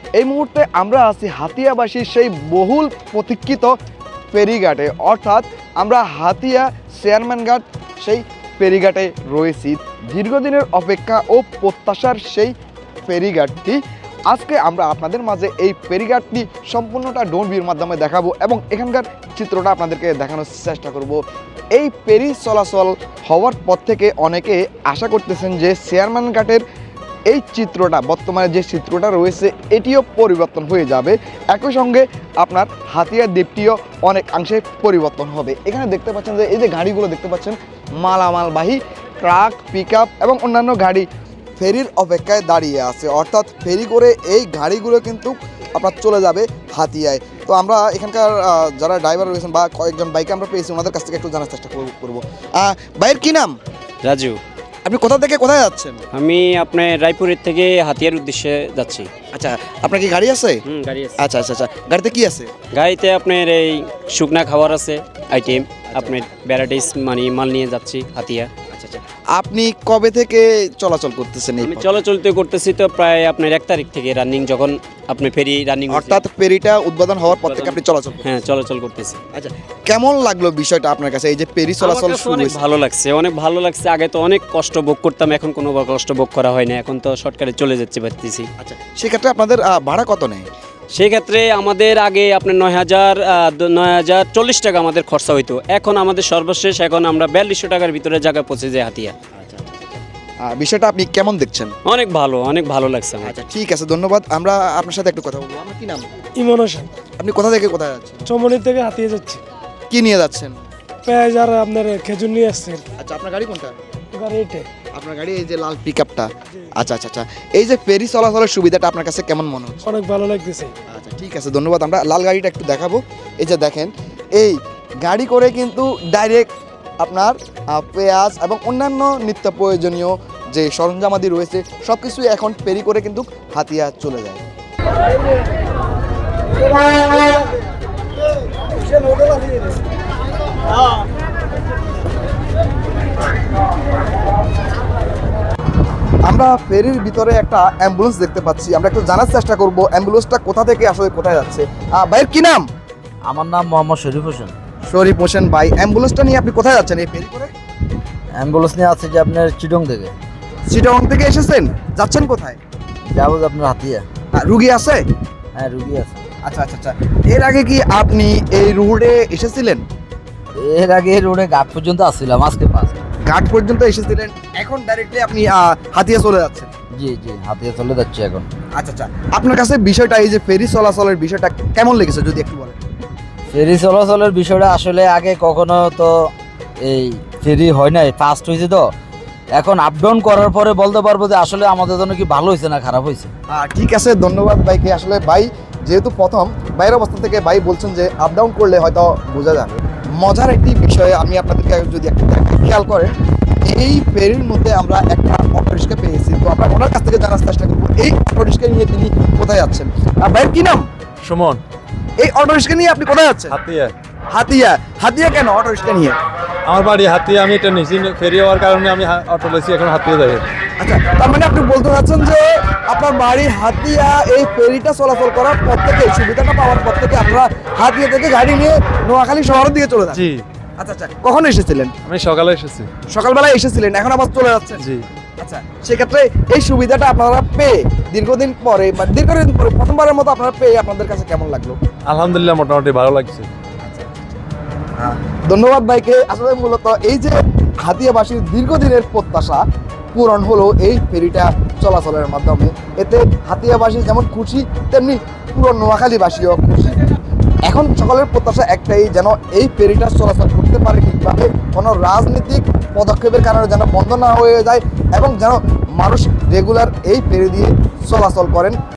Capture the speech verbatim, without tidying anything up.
এই মুহূর্তে আমরা আছি হাতিয়াবাসীর সেই বহুল প্রতীক্ষিত ফেরিঘাটে, অর্থাৎ আমরা হাতিয়া চেয়ারম্যান ঘাট সেই ফেরিঘাটে রয়েছি। দীর্ঘদিনের অপেক্ষা ও প্রত্যাশার সেই ফেরিঘাটটি আজকে আমরা আপনাদের মাঝে এই ফেরিঘাটটি সম্পূর্ণটা ড্রোন ভিউর মাধ্যমে দেখাবো এবং এখানকার চিত্রটা আপনাদেরকে দেখানোর চেষ্টা করব। এই ফেরি চলাচল হওয়ার পর থেকে অনেকে আশা করতেছেন যে চেয়ারম্যান ঘাটের এই চিত্রটা, বর্তমানে যে চিত্রটা রয়েছে এটিও পরিবর্তন হয়ে যাবে। একই সঙ্গে আপনার হাতিয়া দ্বীপটিও অনেকাংশে পরিবর্তন হবে। এখানে দেখতে পাচ্ছেন যে এই যে গাড়িগুলো দেখতে পাচ্ছেন মালামালবাহী ট্রাক, পিক আপ এবং অন্যান্য গাড়ি ফেরির অপেক্ষায় দাঁড়িয়ে আছে, অর্থাৎ ফেরি করে এই গাড়িগুলো কিন্তু আপনার চলে যাবে হাতিয়ায়। তো আমরা এখানকার যারা ড্রাইভার রয়েছেন বা কয়েকজন বাইকে আমরা পেয়েছি, ওনাদের কাছ থেকে একটু জানার চেষ্টা করবো। বাইরের কি নাম? রাজু। আপনি কোথা থেকে কোথায় যাচ্ছেন? আমি আপনার রায়পুরের থেকে হাতিয়ার উদ্দেশ্যে যাচ্ছি। আচ্ছা, আপনার কি গাড়ি আছে? হুম, গাড়ি আছে। আচ্ছা আচ্ছা আচ্ছা, গাড়িতে কি আছে? গাড়িতে আপনার এই শুকনা খাবার আছে, আইটেম আপনার ভ্যারাইটিস মানে মাল নিয়ে যাচ্ছি হাতিয়া। আচ্ছা আচ্ছা, আপনি কবে থেকে চলাচল করতেছেন? এই আমি চলাচল তো করতেছি তো প্রায় আপনার এক তারিখ থেকে রানিং, যখন আপনি ফেরি রানিং, অর্থাৎ ফেরিটা উদ্বোধন হওয়ার পর থেকে আপনি চলাচল? হ্যাঁ, চলাচল করতেছি। আচ্ছা, কেমন লাগলো বিষয়টা আপনার কাছে, এই যে ফেরি চলাচল শুরু অনেক হয়েছে? ভালো লাগছে, অনেক ভালো লাগছে। আগে তো অনেক কষ্ট ভোগ করতাম, এখন কোনো কষ্ট ভোগ করা হয় না, এখন তো শর্টকাটে চলে যাচ্ছে পারতেছি। আচ্ছা, সেক্ষেত্রে আপনাদের ভাড়া কত নেয়? সেই ক্ষেত্রে আমাদের আগে আপনার নয় হাজার নয় হাজার চল্লিশ টাকা আমাদের খরচা হইতো, এখন আমাদের সর্বশেষ এখন আমরা বিয়াল্লিশশো টাকার ভিতরে জায়গায় পৌঁছে যাই হাতিয়া। বিষয়টা আপনি কেমন দেখছেন? অনেক ভালো, অনেক ভালো লাগছে আমার। আচ্ছা, ঠিক আছে, ধন্যবাদ। আমরা আপনার সাথে একটু কথা বলবো। আপনার কি নাম? ইমন হোসেন। আপনি কোথা থেকে কোথায় যাচ্ছেন? চমনি থেকে হাতিয়ে যাচ্ছি। কি নিয়ে যাচ্ছেন? পেঁয়াজ আর আপনার খেজুর নিয়ে আসছে। আচ্ছা, আপনার গাড়ি কোনটা? এবার এইটা আপনার গাড়ি এই যে লাল পিকআপটা। আচ্ছা আচ্ছা আচ্ছা, এই যে ফেরি চলাচলের সুবিধাটা আপনার কাছে কেমন মনে হচ্ছে? অনেক ভালো লাগতেছে। আচ্ছা, ঠিক আছে, ধন্যবাদ। আমরা লাল গাড়িটা একটু দেখাবো। এই যে দেখেন, এই গাড়ি করে কিন্তু ডাইরেক্ট আপনার পেঁয়াজ এবং অন্যান্য নিত্য প্রয়োজনীয় যে সরঞ্জামাদি রয়েছে সব কিছুই এখন ফেরি করে কিন্তু হাতিয়া চলে যায়। আমরা ফেরির ভিতরে একটা অ্যাম্বুলেন্স দেখতে পাচ্ছি, আমরা একটু জানার চেষ্টা করব অ্যাম্বুলেন্সটা কোথা থেকে আসলে কোথায় যাচ্ছে। ভাইয়ের কি নাম? আমার নাম মোহাম্মদ শরীফ হোসেন। শরীফ হোসেন ভাই, অ্যাম্বুলেন্সটা নিয়ে আপনি কোথায় যাচ্ছেন এই ফেরি করে? অ্যাম্বুলেন্স নিয়ে আছে যে আপনার চিটং থেকে। চিটাগং থেকে এসেছেন, যাচ্ছেন কোথায়? যাবো যে আপনার হাতিয়া। রুগী আছে? হ্যাঁ, রুগী আছে। আচ্ছা আচ্ছা আচ্ছা, এর আগে কি আপনি এই রোডে এসেছিলেন? এর আগে রোডে ঘাট পর্যন্ত আসছিলাম, আজকে পাস ঘাট পর্যন্ত এসেছিলেন, এখন ডাইরেক্টলি আপনি হাতিয়া চলে যাচ্ছেন? জি জি, হাতিয়া চলে যাচ্ছি এখন। আচ্ছা আচ্ছা, আপনার কাছে বিষয়টা, এই যে ফেরি চলাচলের বিষয়টা কেমন লেগেছে যদি একটু বলেন? ফেরি চলাচলের বিষয়টা আসলে আগে কখনো তো এই ফেরি হয় নাই, ফার্স্ট হয়েছে তো। এখন আপ ডাউন করার পরে বলতে পারবো যে আসলে আমাদের জন্য কি ভালো হয়েছে না খারাপ হয়েছে। ঠিক আছে, ধন্যবাদ ভাইকে। আসলে ভাই যেহেতু প্রথম, বাইরের অবস্থা থেকে ভাই বলছেন যে আপ ডাউন করলে হয়তো বোঝা যাবে। মজার একটি বিষয় আমি আপনাদেরকে যদি একটু খেয়াল করেন, এই ফেরির মধ্যে আমরা একটা অটো রিক্সা পেয়েছি, তো আমরা ওনার কাছ থেকে জানার চেষ্টা করবো এই অটো রিক্সা নিয়ে তিনি কোথায় যাচ্ছেন। ভাইয়ের কি নাম? সুমন। এই অটো রিক্সা নিয়ে আপনি কোথায় যাচ্ছেন? হাতিয়া। হাতিয়া? হাতিয়া কেন অটো রিক্সা নিয়ে? আমার বাড়ি হাতিয়া, আমি এটা নিয়েছি ফেরি হওয়ার কারণে আমি অটো লেছি, এখন হাতিয়া যাই। আচ্ছা, তার মানে আপনি বলতে চাচ্ছেন যে আপনার বাড়ি হাতিয়া, এই ফেরিটা চলাচল করার পর থেকে, সুবিধাটা পাওয়ার পর থেকে আপনারা হাতিয়া থেকে গাড়ি নিয়ে নোয়াখালী শহরের দিকে চলে যান? জি। আচ্ছা আচ্ছা, কখন এসেছিলেন? আমি সকালে এসেছি। সকালবেলায় এসেছিলেন, এখন আবার চলে যাচ্ছেন? জি। আচ্ছা, সেক্ষেত্রে এই সুবিধাটা আপনারা পেয়ে দীর্ঘদিন পরে বা দীর্ঘদিন পরে প্রথমবারের মতো আপনারা পেয়ে আপনাদের কাছে কেমন লাগলো? আলহামদুলিল্লাহ, মোটামুটি ভালো লাগছে। ধন্যবাদ ভাইকে। আসলে মূলত এই যে হাতিয়াবাসীর দীর্ঘদিনের প্রত্যাশা পূরণ হলো এই ফেরিটা চলাচলের মাধ্যমে। এতে হাতিয়াবাসী যেমন খুশি, তেমনি পুরো নোয়াখালীবাসীও খুশি। এখন সকলের প্রত্যাশা একটাই, যেন এই ফেরিটা চলাচল করতে পারে ঠিকভাবে, কোনো রাজনৈতিক পদক্ষেপের কারণে যেন বন্ধ না হয়ে যায় এবং যেন মানুষ রেগুলার এই ফেরি দিয়ে চলাচল করেন।